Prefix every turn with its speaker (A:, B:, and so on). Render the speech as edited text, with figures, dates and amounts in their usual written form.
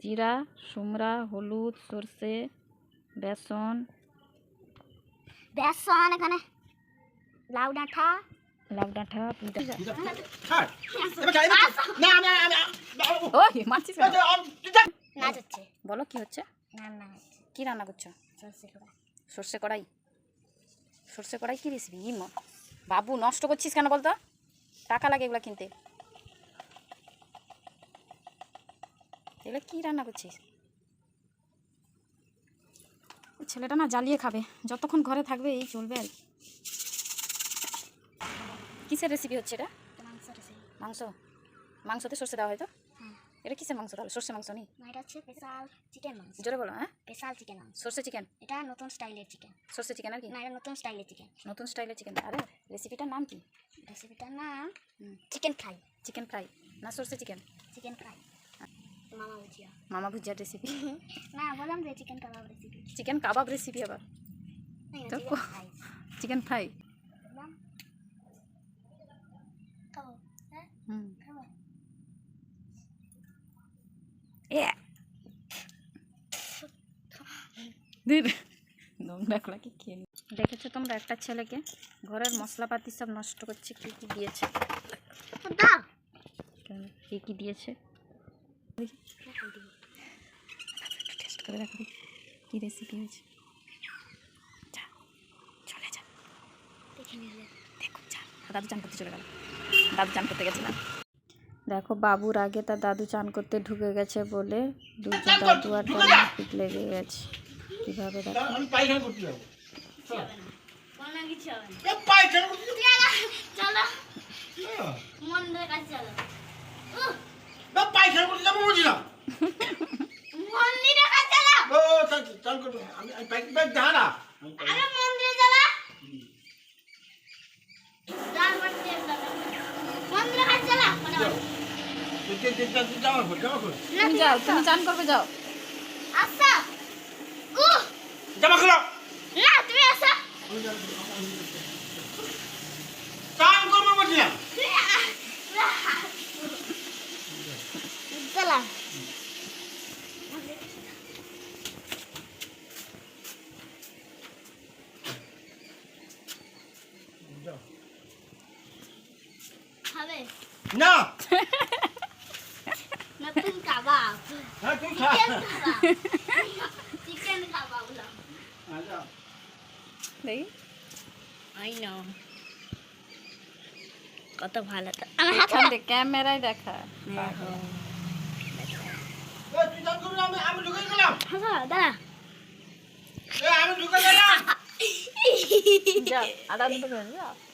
A: জিরা, সুমরা, হলুদ, সর্ষে, বেসন,
B: এখানে লাউ ডাঁটা নাচ হচ্ছে।
A: বলো কি হচ্ছে?
B: রান্না
A: কি রান্না করছো? সর্ষে কড়াই। সর্ষে কড়াই কি রেসিপি? বাবু নষ্ট করছিস কেন বলতো? টাকা লাগে এগুলো কিনতে। এগুলো কি রান্না করছিস? ছেলেটা না জ্বালিয়ে খাবে, যতক্ষণ ঘরে থাকবে এই চলবে আর কি। কিসের রেসিপি হচ্ছে এটা? মাংস। মাংসতে সর্ষে দেওয়া হয় তো? এটা কিসের মাংস তাহলে? সর্ষে মাংস নেই,
B: এটা হচ্ছে স্পেশাল চিকেন মাংস।
A: জোরে বলো। হ্যাঁ,
B: স্পেশাল চিকেন মাংস।
A: সর্ষে চিকেন।
B: এটা নতুন স্টাইলের চিকেন।
A: সর্ষে চিকেন আর কি?
B: না, এটা নতুন স্টাইলের চিকেন।
A: নতুন স্টাইলের চিকেন। আরে রেসিপিটার নাম কি?
B: রেসিপিটার নাম চিকেন ফ্রাই।
A: চিকেন ফ্রাই না সর্ষে চিকেন?
B: Chicken fry. মামা ভুজিয়া।
A: মামা ভুজিয়ার রেসিপি?
B: না, বললাম যে chicken kabab recipe.
A: Chicken kabab recipe আবার? তো চিকেন ফ্রাই। দেখেছো তোমরা একটা ছেলেকে ঘরের মশলাপাতি সব নষ্ট করছে? কি কি দিয়েছে? কি কি দিয়েছে টেস্ট করে দেখো কি রেসিপি হয়েছে। চলে যা, দেখো যা। দাদু চান করতে চলে গেল। দাদু চান করতে গেছিলাম। দেখো বাবুর আগে তার দাদু চান করতে ঢুকে গেছে বলে দুজন দাদু আর পিট লেগে গেছে। কিভাবে দেখো। তুমি যাও, তুমি চান করবে যাও।
B: আচ্ছা
C: জামা খুলো।
B: না, তুমি আসো।
C: চান করবো বলছি না।
B: চলা খাবে
C: না
B: নতুন কাবাব।
C: হ্যাঁ তুই খা।
B: চিকেন কাবাব না।
C: আচ্ছা
A: দেখি
B: আই নো কত ভালো তো।
A: ক্যামেরায় দেখা।
C: তুই চান করবি না, আমি ঢুকে গেলাম।
B: হ্যাঁ দাঁড়া।
C: আমি ঢুকে গেলাম।
A: যাও, আদা দুটো করে যাও।